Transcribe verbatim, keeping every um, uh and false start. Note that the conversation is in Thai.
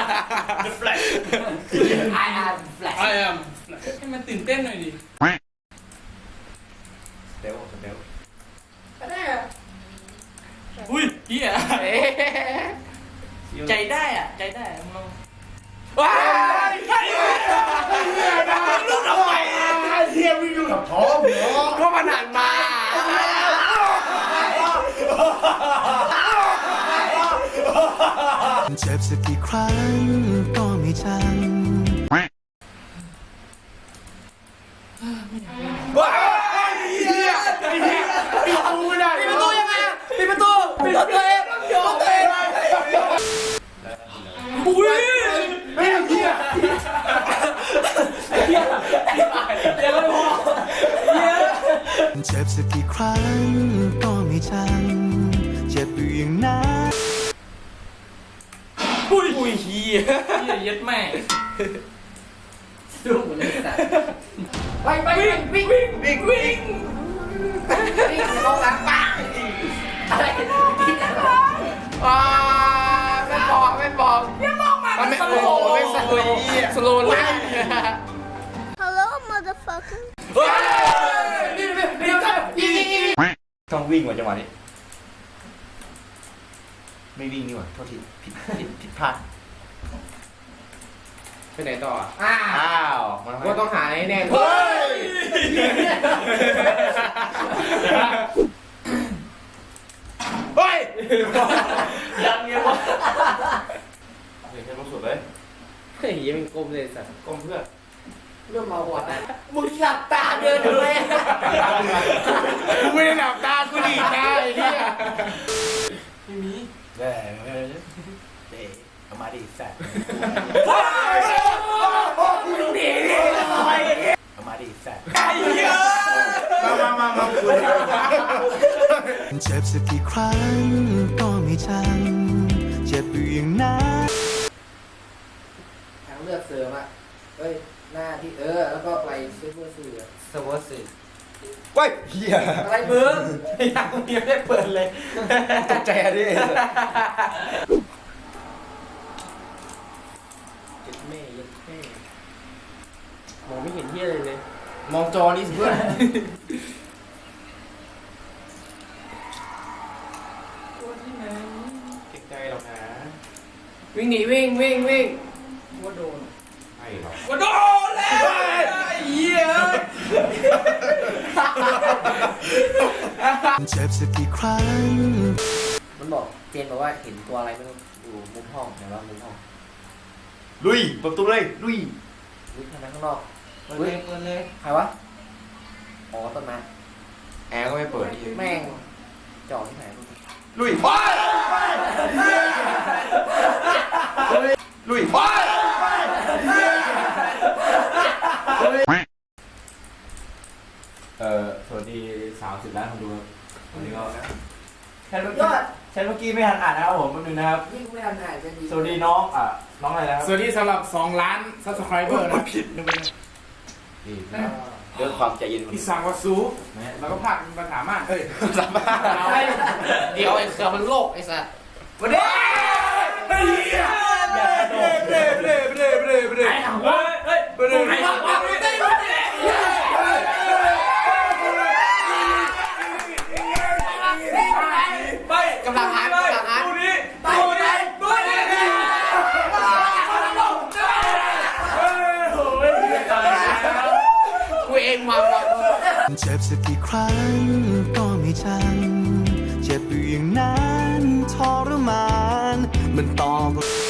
The Flash I am Flash I am ให้มันตื่นเต้นหน่อยดิเดวเดวอุ้ยเฮียใจได้อ่ะใจได้มึงลองว้ายเฮียนะลูกทำไมเฮียวิ่งอยู่กับท้องก็มันหันมาเจ็บสักกี่ครั้งก็ไม่จำว้ายเฮียเฮียปิดประตูไม่ได้ปิดประตูยังไงอ่ะปิดประตูปิดประตูเองโยนเองอุ้ยไม่เฮียเฮียเฮียก็ไม่พอเฮียเจ็บสักกี่ครั้งก็ไม่จำเจ็บอยู่อย่างนั้นอุ้ยอุ้ยเฮียเฮียยัดแม่ดูเหมือนเลยสัตว์ไปไปวิ่งวิ่งวิ่งวิ่งวิ่งวิ่งในห้องน้ำปังอะไรที่ไหนวะอ่าไม่บอกไม่บอกอย่ามองมามันไม่โอ้โหไม่สโลว์สโลว์ไลน์ Hello, motherfucker. นี่นี่นี่ยิงยิงยิงต้องวิ่งว่ะจังหวะนี้ไม่วิ่งนี่หว่าโทษทีผิดผิดผิดพลาดไปไหนต่ออ้าอ้าวมันวต้องหาแน่ๆเฮ้ยเฮ้ยยังเงี้ยวะเฮ้ยแค่รู้สุดเลยเฮ้ยยังเป็นกลมเลยสัตว์ก้มเพื่อเริ่มมาหัวนะมึงหลับตาเดินเลยกูไม่ได้หลับตากูดีตาไอ้เหี้ยไม่มีเด้เด้เด้เอามาดิแซ่บมึงหนีดิเอามาดิแซ่บไอ้เหี้ยมามามามาคุยเจ็บสักกี่ครั้งก็ไม่จำเจ็บอยู่อย่างนั้นทางเลือกเสริมอ่ะเฮ้ยหน้าที่เออแล้วก็ไปซื้อเพื่อซื้อสวัสดีเว้ยเฮียอะไรมึงยังยังไม่ได้เปิดเลยตกใจอะดิเจ็ดแม่ยัดแม่มองไม่เห็นเหี้ยเลยเลยมองจอนี่สิเพื่อนเก่งใจหรอกนะวิ่งหนีวิ่งวิ่งวิ่งว่าโดนไม่หรอกว่าโดนแล้วไอ้เหี้ยเจ็บสักกี่ครั้งมันบอกเจนบอกว่าเห็นตัวอะไรไม่รู้อยู่มุมห้องไหนว่ามุมห้องลุยเปิดประตูเลยลุยวิ่งทางนั้นข้างนอกเปิดเลยเปิดเลยใครวะอ๋อต้นไม้แอร์ก็ไม่เปิดแม่งจ่อที่ไหนลุยลุยเอ่อสวัสดีสามสิบล้านคนดูครับวันนี้ก็แชทเมื่อกี้แชทเมื่อกี้ไม่ทันอ่านนะครับผมแป๊บนึงนะครับยิ่งไม่ทันหายจะดีสวัสดีน้องอ่ะน้องอะไรนะครับสวัสดีสำหรับสองล้าน subscriber นะผิดนะเว้ยนี่เรื่องความใจเย็นของอีสังวาซูแล้วก็ผักมาถามอ่ะเอ้ยสามารถเดี๋ยวไอ้เสือมันโลกไอ้สัตว์วันนี้ไอ้เหี้ยเบลเบลเบลเบลเบลเบลเฮ้ยเฮ้ยเบลเบลเบลไปกำลังหากำลังหาดูนี้ดูนี้ดูนี้กูเองมาว่ะเจ็บสักกี่ครั้งก็ไม่จำเจ็บอยู่อย่างนั้นทรมานมันต่อ